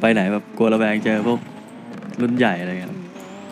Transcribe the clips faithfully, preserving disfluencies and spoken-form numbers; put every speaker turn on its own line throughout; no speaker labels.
ไปไหนแบบกลัวระแวงเจอพวกรุ่นใหญ่อะไรเงี้ย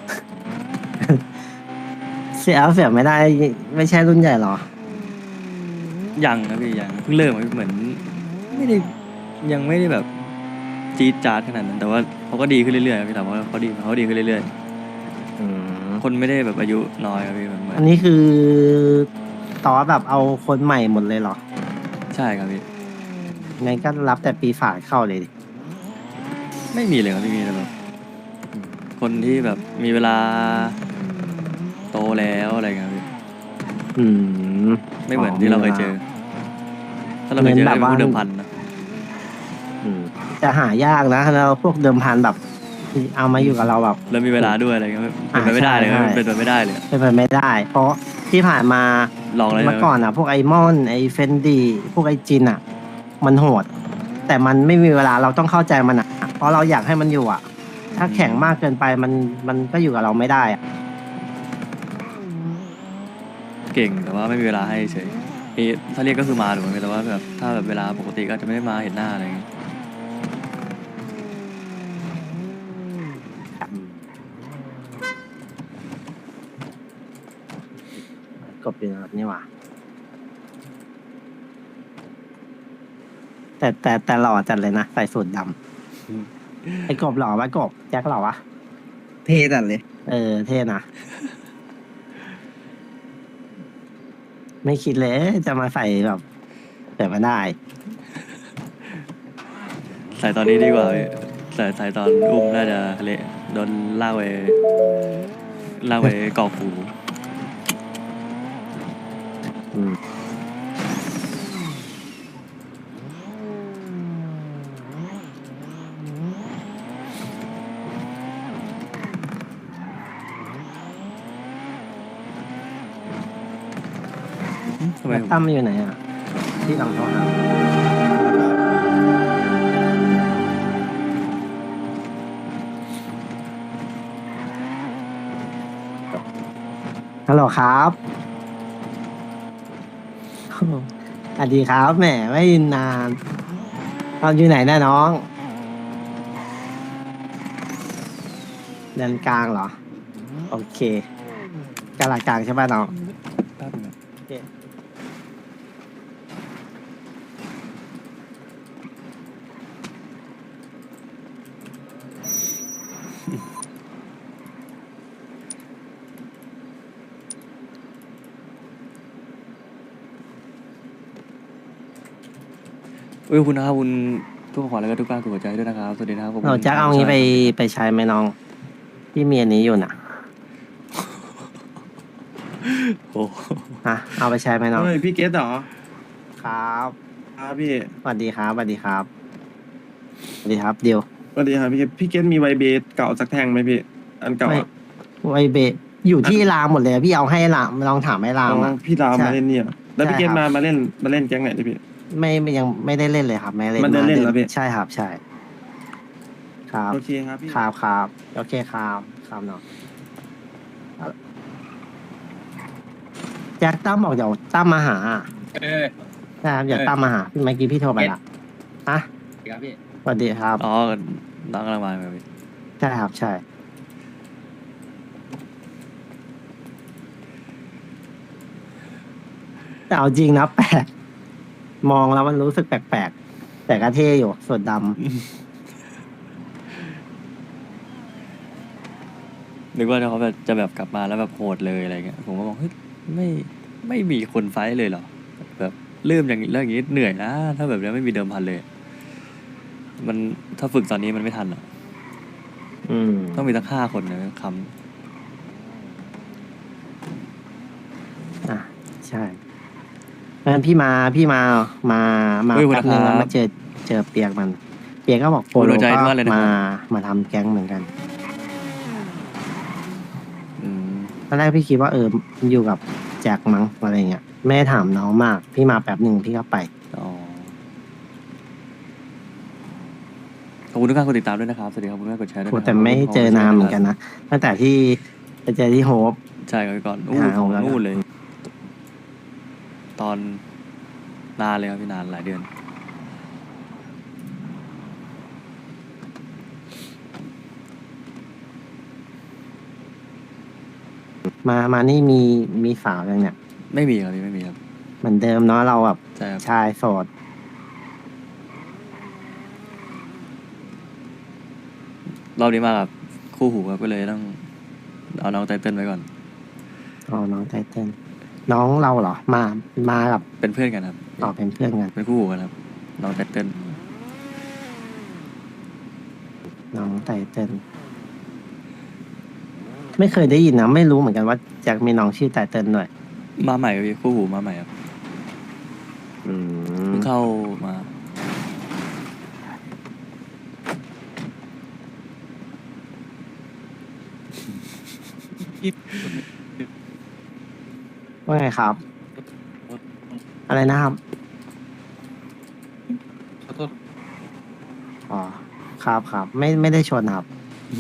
เสียเสียไม่ได้ไม่ใช่รุ่นใหญ่หรอ
ยังนะพี่ยังเพิ่งเริ่มอะเหมือนไม่ได้ยังไม่ได้แบบจี๊ดจ๊าดขนาดนั้นแต่ว่าเขาก็ดีขึ้นเรื่อยๆพี่ถามว่าเขาดีเขาดีขึ้นเรื่อย
อืม
ๆคนไม่ได้แบบอายุน้อยครับพี่มันเหมือ
อั
น
นนี้คือต่อแบบเอาคนใหม่หมดเลยเหรอ
ใช่ครับพี่
งั้นก็รับแต่ปีศาจเข้าเลยดิ
ไม่มีเลยครับพี่มีแต่แบบคนที่แบบมีเวลาโตแล้วอะไรเงี้ยพี่
อืม
ไม่เหมือนที่เราเคยเจอถ้าเราเคยเจอก็เป็นพวกเดิมพันนะ
อืมจะหายากนะแล้วพวกเดิมพันแบบเอามาอยู่กับเราแบบ
แล้วมีเวลาด้วยอะไรเงี้ยเป็นไปไม่ได้เลยครับเป็นไปไม่ได้เลย
เป็นไปไม่ได้ เพราะที่ผ่านมา
ลองแล้วใช่
เมื่อ
ไหม
ก่อนอ่ะพวกไอมอนไอเฟนดีพวกไอจินอ่ะมันโหดแต่มันไม่มีเวลาเราต้องเข้าใจมันอ่ะเพราะเราอยากให้มันอยู่อ่ะถ้าแข็งมากเกินไปมันมันก็อยู่กับเราไม่ได้อ่ะ
เก่งแต่ว่าไม่มีเวลาให้เฉยมีถ้าเรียกก็คือมาถูกไหมแต่ว่าแบบถ้าแบบเวลาปกติก็จะไม่ได้มาเห็นหน้าอะไรเงี้ย
กบอยู่แบบนี้ว่ะแต่แต่แต่หล่อจัดเลยนะใส่สูทดำไอ้กบหล่อวะกบแจ็คหล่อวะ
เท่จัดเลย
เออเท่นะไม่คิดเลยจะมาใส่แบบแต่มาได้
ใส่ตอนนี้ดีกว่าพี่ใส่ใส่ตอนอุ้มน่าจะเละโดนลากไปลากไปกอกหู
อืม
ทำไม
แล้ว
ผม
ตั้มอยู่ไหนอ่ะที่ลองโทรหาฮัลโหลครับสวัสดีครับแหมไม่ยินนานเราอยู่ไหนนะน้องเดินกลางเหรอโอเคกลางกลางใช่ป่ะน้อง
แป๊บนึงนะ
โอเค
เอ้ยคุณนะครับคุณทุกขวัญแล้วก็ทุกการกดหัวใจด้วยนะครับสวัสดีนะครับผม
เราจะเอางี้ไปไปใช้ไหมน้องพี่เมียนี้อยู่น่ะ
โอ้
ฮะเอาไปใช้ไหมน้อง
เฮ้ยพี่เกตเหรอ
ครับ
ครับพี่
สวัสดีครับสวัสดีครับสวัสดีครับเดียว
สวัสดีครับพี่เกตพี่เกตมีไวเบสเก่าสักแท่งไหมพี่ อันเก่า
ไม่
อ่ะ
ไวเบะอยู่ที่รามหมดเลยอะพี่เอาให้รามลองถามให้รา
อ๋
ม
อ
อ่ะ
พี่ราม
ใช่
มาเล่นเนี่ย แล้วพี่เก
ใช่
ต
ครับ
มามาเล่นมาเล่นแก๊งไหนดิพี่
ไม่ไม่ยังไม่ได้เล่นเลยครับ ไม่เล่น
มันได้เล่นเหรอพี่
ใช่ครับ ใช่ ครับ
โอเคครับพี่
ครับครับโอเคครับครับเนาะแจ็คตั้มบอกเดี๋ยวตั้มมาหา
เออ
นะครับเดี๋ยว
เออ
ตั้มมาหาพี่เมื่อกี้พี่โทรไปละฮะ
ครับพี่
สวัสดีครับ
อ๋อน้องกำลังมาครับพี่
ใช่ครับใช่ แต่เอาจริงนะแปลกมองแล้วมันรู้สึกแปลกๆ แต่ก็เท่อยู่ส่วนดำ
นึกว่าเขาแบบจะแบบกลับมาแล้วแบบโหดเลยอะไรเงี้ยผมก็บอกเฮ้ยไม่ไม่มีคนไฟท์เลยเหรอแบบเริ่มอย่างนี้แล้วอย่างนี้เหนื่อยนะถ้าแบบนี้ไม่มีเดิมพันเลย มันถ้าฝึกตอนนี้มันไม่ทันหรอก
อืม
ต้องมีตั้งห้าคนนะค
อ่ะใช่เพราะฉะนั้นพี่มาพี่มามามาแป๊บนึงแล้วมาเจอเจอเปียกมัน เปียกก็บอกโปโลก็มามาทำแก๊งเหมือนกัน
ำอืม
ตอนแรกพี่คิดว่าเออมันอยู่กับแจ็คมั้งอะไรเงี้ยไม่ได้ถามน้องมาก พี่มาแป๊บหนึ่งพี่ก็ไป
อ๋อขอบคุณทุกการกดติดตามด้วยนะครับสวัสดีครับขอบคุณมากกดแชร์ด้วย
โห
นะครับ
แต่ไม่เจอนานเหมือนกันนะตั้งแต่ที่ไปเจอที่โฮป
ใช่ครับพี่ก่อนอู้
หา
ข
ข
อ
อง งแล้ว
นู่นเลย ตอนนานเลยครับพี่นานหลายเดือน
มามานี่มีมีสาวยังเนี่ย
ไม่มีครับพี่ไม่มีครับ
เหมือนเดิมเนาะเราแบบ
ใช่ครับ
ชายโสด
รอบนี้มากับคู่หูครับก็เลยต้องเอาน้องไตเติ้ลไว้ก่อน
อ๋อน้องไตเติ้ลน้องเราเหรอ มามากับ
เป็นเพื่อนกันครับ
ต่อเป็นเพื่อนกัน
เป็นคู่หูกันครับน้องไตเติ้ล
น้องไตเติ้ลไม่เคยได้ยินนะไม่รู้เหมือนกันว่าแจ็คมีน้องชื่อไตเติ้ลด้วย
มาใหม่ครับพี่คู่หูมาใหม่ครับ
อืม
เพิ่งเข้ามา
ว่าไงครับ อะไรนะครับ
ขอโทษ
อ๋อครับครับไม่ไม่ได้ชนครับ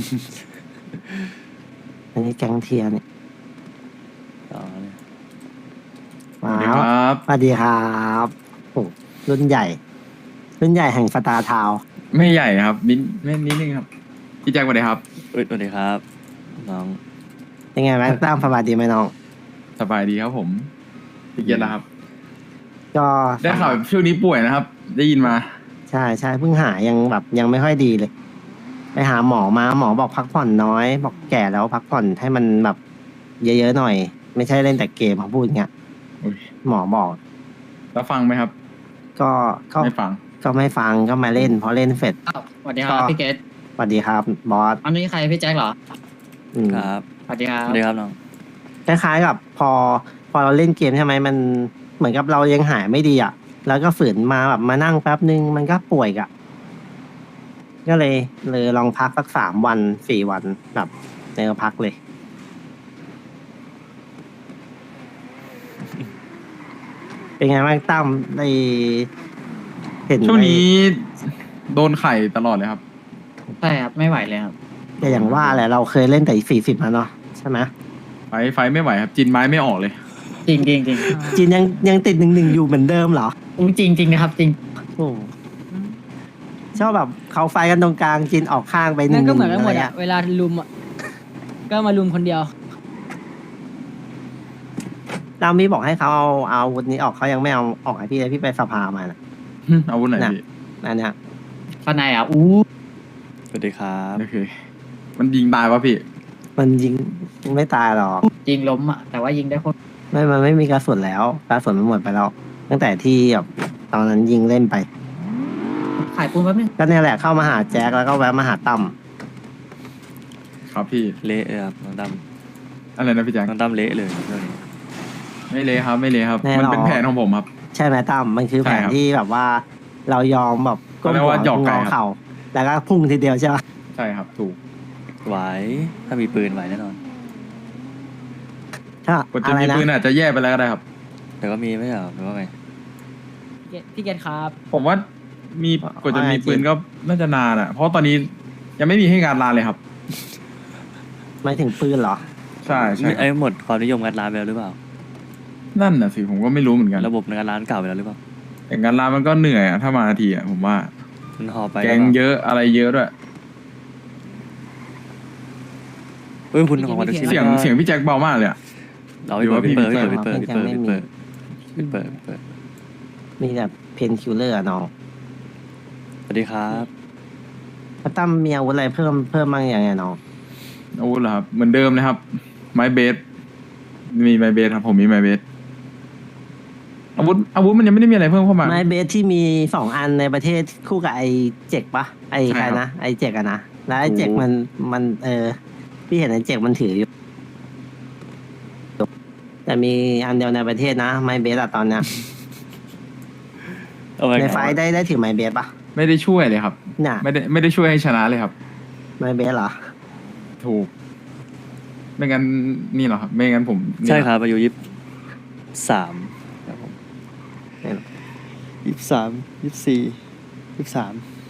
อันนี้แก๊งเทียร์เนี่ย
อ๋อเนี่ย
สวัสดี
ว้าว
ครับ
สวัสดีครับโอ้รุ่นใหญ่ รุ่นใหญ่แห่งสตาร์ทาวน์
ไม่ใหญ่ครับนิดไม่นิดนึงครับพี่แจ็คสวัสดีครับ
เอ้ยสวัสดีครับน้อง
ยังไงแม็กตั้มสบายดีไหมน้อง
สบายดีครับผมพี่เกียรติแล้วครับ
ก็
ได้ข่าวช่วงนี้ป่วยนะครับ ได้ยินมา
ใช่ใช่เพิ่งหายยังแบบยังไม่ค่อยดีเลย ไปหาหมอมาหมอบอกพักผ่อนน้อย บอกแก่แล้วพักผ่อนให้มันแบบ เยอะๆหน่อย ไม่ใช่เล่นแต่เกมเขาพูดอย่างเงี้ย
อุ๊ย
หมอบอก
แล้วฟังไหมครับ
ก็ก็
ไม่ฟัง
ก็ไม่ฟังก็มาเล่นพอเล่นเสร็จ
อ้าวสวัสดีครับ
ก็
พี่เกต
สวัสดีครับบอส
อันนี้ใครพี่แจ็คเหรอ
อืม
ครับ
สวัสดีครั
ส
บ
วัสดีครับน้อง
คล้ายๆกับพอ พอเราเล่นเกมใช่ไหมมันเหมือนกับเรายังหายไม่ดีอ่ะ แล้วก็ฝืนมาแบบมานั่งแป๊บนึงมันก็ป่วยอ่ะ ก็เลยเลยลองพักสักสามวันสี่วันแบบเนอพักเลย เป็นไงบ้างตั้มในเห็น
ช่วง
ใน
นี้โดนไข่ตลอดเลยครับ
ใช่ครับ ไม่ไหวเลยครับ
แต่อย่างว่าแหละเราเคยเล่นแต่สี่สิบมาเนาะใช่ไหม
ไฟไฟไม่ไหวครับจินไม้ไม่ออกเลย
จริงจริงจริง
จีนยังยังติดหนึ่งหนึ่งอยู่เหมือนเดิมเหรอ
จริงจริงนะครับ จริง
โอ้ชอบแบบเขาไฟกันตรงกลางจีนออกข้างไปหนึ่
นั่
ง
น
ห
ก็
นึ่ง
เหมือนกันหมด
อะไร
อะ
อะ
เวลาลุมอะก็มาลุมคนเดียว
เรามีบอกให้เขาเอาเอาอาวุธนี้ออกเขายังไม่เอาออกให้พี่เลยพี่ไปสภามานะ
อาวุธไหน
น่ะ
พี่
อันเนี้ย
ข้างในอ่ะ อู้
สวัสดีครับ
โอเค มันยิงตายวะพี่
มันยิงไม่ตายหรอก
ยิงล้มอ่ะ แต่ว่ายิงได้โคตร
ไม่มันไม่มีกระสุนแล้วกระสุนมันหมดไปแล้ว ตั้งแต่ที่แบบตอนนั้นยิงเล่นไป
ขายปูนแป๊บนึง
ก็เนี่ยแหละเข้ามาหาแจ็คแล้วก็แวะมาหาตั้ม
ครับพี่
เละเลยครับน้องด
อะไรนะพี่แจ็ค
ำน้องดำเละเลยเรื่องนี้
ไม่เลยครับ ไม่เลยครับ มันเป็นแผนของผมครับ
ใช่ไหมตั้มมันคือแผ
ใช่
น
ครับ
ที่แบบว่า เรายอมแบบก้ม
เขาเรียก
หัว
ว่าหยอก
ง
ไก่
อ
ครับ
เข่าแล้วก็พุ่งทีเดียวใช่ไหม
ใช่ครับ ถูก
ไหวถ้ามีปืนไหวแน่นอน
ถ้าก
ดจะ
อะไร
มี
นะ
ปืนอาจจะแย่ไปแล้วก็ได้ครับ
แต่ก็มีไม่ใช่เหรอหรือว่าไง
พี่เกตพี่เกตครับ
ผมว่ามีกว่าจะมีปืนก็น่าจะนานอ่ะ เพราะตอนนี้ยังไม่มีให้งานลานเลยครับ
หมายถึงปืนเหรอ
ใช่ใช่
ไอ้หมดความนิยมงานร้านไปแล้วหรือเปล่า
นั่นน่ะสิผมก็ไม่รู้เหมือนกัน
ระบบงานร้านเก่าไปแล้วหรือเปล่า
แต่งานลานมันก็เหนื่อยอะถ้ามาทีอะผมว่า
มันหอไป
แกงเยอะอะไรเยอะด้วย
เฮ้ยคุณของวัน
เสียงเสียงพี่แจ็คเบามากเลยอะ
เราไปเปิด
หรือว่าพี่
เปิด
มี
เปิด
เปิด
เปิดเปิดเปิดเปิดเปิดเปิด
มีแบบเพนคิลเลอร์น้อง
สวัสดีครับ
แล้วตั้มมีอาวุธอะไรเพิ่มเพิ่มบ้างยังไงน้อง
อาวุธเหรอครับเหมือนเดิมเลยครับ ไม้เบสมีไม้เบสครับผมมีไม้เบสอาวุธอาวุธมันยังไม่ได้มีอะไรเพิ่มเข้ามา
ไม้เบสที่มีสองอันในประเทศคู่กับไอเจกปะไอ
ใช่
ใคร
ครับ
นะไอเจกอะนะแล้วไอเจก
ถูก
มันมันเออพี่เห็นไอเจกมันถืออยู่ แต่มีอันเดียวในประเทศนะไม้เบสอะตอนเนี้ย
เอาไว้
ในไฟท์ได้ได้ถือไม้เบสปะ
ไม่ได้ช่วยเลยครับ
น่ะ
ไม่ได้ไม่ได้ช่วยให้ชนะเลยครับ
ไม้เบสเหรอ
ถูก ไม่งั้นนี่เหรอครับไม่งั้นผมนี่
ใช่
เหอ
ครับอายุยี่สิบสามครับผม
ไม่หรอก
ยี่สิบสามยี่สิบสี่ยี่สิบสาม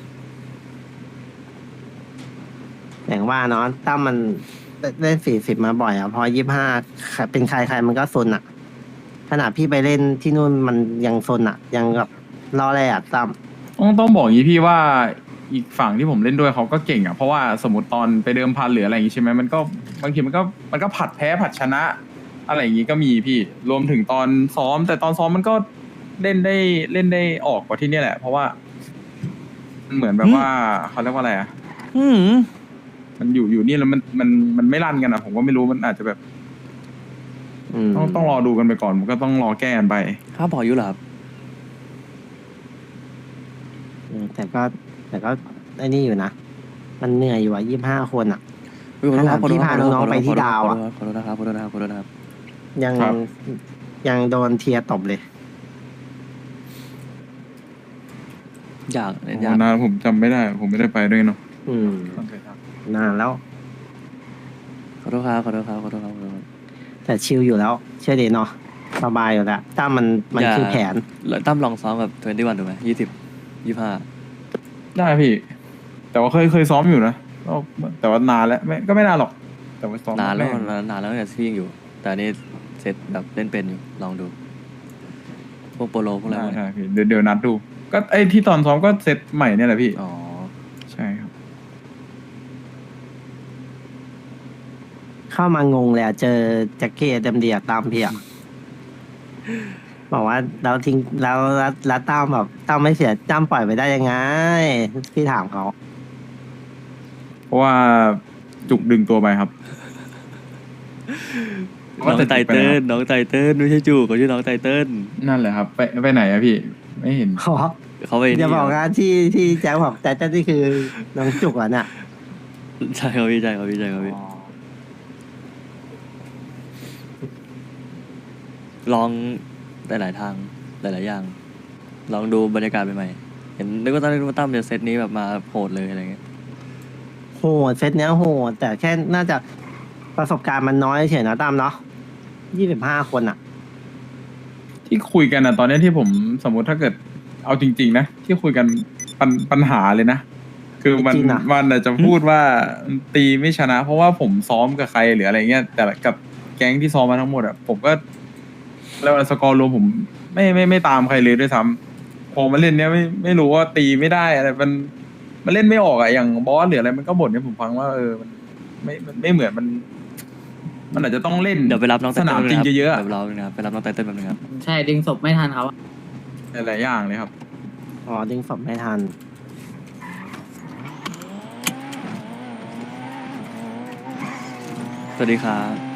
อย่างว่าเนาะตั้มมันเล่นสี่สิบมาบ่อยอะพอยี่ห้าเป็นใครใครมันก็ซนอะขนาดพี่ไปเล่นที่นู่นมันยังซนอะยังแบบรอแรอะตั้ม
ต้องต้องบอกอย่างนี้พี่ว่าอีกฝั่งที่ผมเล่นด้วยเขาก็เก่งอ่ะเพราะว่าสมมติตอนไปเดิมพันหรืออะไรอย่างงี้ใช่ไหมมันก็บางทีมันก็มันก็ผัดแพ้ผัดชนะ อะไรอย่างงี้ก็มีพี่รวมถึงตอนซ้อม แต่ตอนซ้อมมันก็เล่นได้เล่นได้ออกกว่าที่เนี่ยแหละ เพราะว่ามันเหมือนแบบว่าเขาเรียกว่าอะไรอ่ะ
อืม
มันอยู่อยู่นี่แล้วมันมันมันไม่รันกันอ่ะผมก็ไม่รู้มันอาจจะแบบ
อืม
ต้องต้องรอดูกันไปก่อนผมก็ต้องรอแก้กันไป
ข้าพออยู่เหรอครับ
อืมแต่ก็แต่ก็ไอ้นี่อยู่นะ มันเหนื่อยอยู่อ่ะยี่ห้าคนอ่ะ
อุ๊ยขอโทษครับ
ขนาดที่พาน้องๆไปที่ดาวอะ
ขอโทษนะครับขอโทษนะครับขอโทษนะครับ
ยัง
ครับ
ยังโดนเทียร์ตบเลย
อยาก
โอ้
อยาก
นานผมจำไม่ได้ ผมไม่ได้ไปด้วยเนาะ
อืมนานแล้ว
ขอโทษครับขอโทษครับขอโทษครับขอโทษครับ
แต่ชิลอยู่แล้ว เชื่อดีเนาะสบายอยู่แล้วถ้ามันมัน
อย่า
คือแผน
แล้วตั้มลองซ้อมกับทเวนตี้วันถูกไหมยี่สิบยี่ห้า
ได้พี่ แต่ว่าเคยเคยซ้อมอยู่นะก็แต่ว่านานแล้วไม่ก็ไม่นานหรอก แต่ว่าซ้อม
นานแล้ว
ม่
นานนานแล้วเนี่ยที่ยังอยู่ แต่อันนี่เซตแบบเล่นเป็นอยู่ลองดู พวกโปโลพวกอะไร
ได้
พวก
ได้
เนี้ย
พี่เดี๋ยวเดี๋ยวนัดดู ก็ไอ้ที่ตอนซ้อมก็เซตใหม่เนี่ยแหละพี่
อ๋อ
ใช่ครับ
เข้ามางงเลยอะเจอแจ็คเก็ตเต็มเดียตามพี่อะบอกว่าเราทิ้งแล้วแล้วแล้วตามแบบตามไม่เสียจ้ำปล่อยไปได้ยังไง พี่ถามเขา
เพราะว่าจุกดึงตัวไปครับ
น้องไตเติ้ลน้องไตเติ้ลไม่ใช่จูเขาชื่อน้องไตเติ้ล
นั่นแหละครับ ไปไปไหนอะพี่ ไม่เห็น
ขอ
เขาไป
อย่า
นี่
บอกนะที่ที่แจ็คบอกแต่เจ้านี่คือน้องจุกอ่ะเนี่ย
ใช่ครับพี่ใช่ครับพี่ใช่ครับพี่ลองหลายๆทางหลายๆอย่าง ลองดูบรรยากาศใหม่ๆเห็นนึกว่าตั้มนึกว่าตั้มจะเซตนี้แบบมาโหดเลยอะไรเงี้ย
โหดเซตเนี้ยโหดแต่แค่น่าจะประสบการณ์มันน้อยเฉยนะตามเนาะยี่สิบห้าคนอ่ะ
ที่คุยกันอะตอนเนี้ยที่ผมสมมุติถ้าเกิดเอาจริง ๆ นะ ที่คุยกันปัญปัญหาเลยนะ คือมัน
จริงๆอะ
มันอาจจะพูดว่าตีไม่ชนะ เพราะว่าผมซ้อมกับใครหรืออะไรเงี้ยแต่กับแก๊งที่ซ้อมมาทั้งหมดอะผมก็แล้วาสกอร์รวมผมไม่ไม่ไม่ตามใครเลยด้วยซ้ำพอมาเล่นเนี้ยไม่ไม่รู้ว่าตีไม่ได้อะไรมันมันเล่นไม่ออกอะอย่างบอสหรืออะไรมันก็บ่นให้ผมฟังว่าเออมันไม่มันไม่เหมือนมัน มันอาจจะต้องเล่น
เดี๋ยวไปรับน้องไต
ส
เติ้ล
นามจริงเยอะๆ
เดี๋ยวไปรับนะครับไปรับน้องไตเติ้ลแป๊บนึงครับ
ใช่ดึงศพไม่ทันเขา
หลายๆอย่างเลยครับ
อ๋อดึงศพไม่ทัน
สวัสดีครับ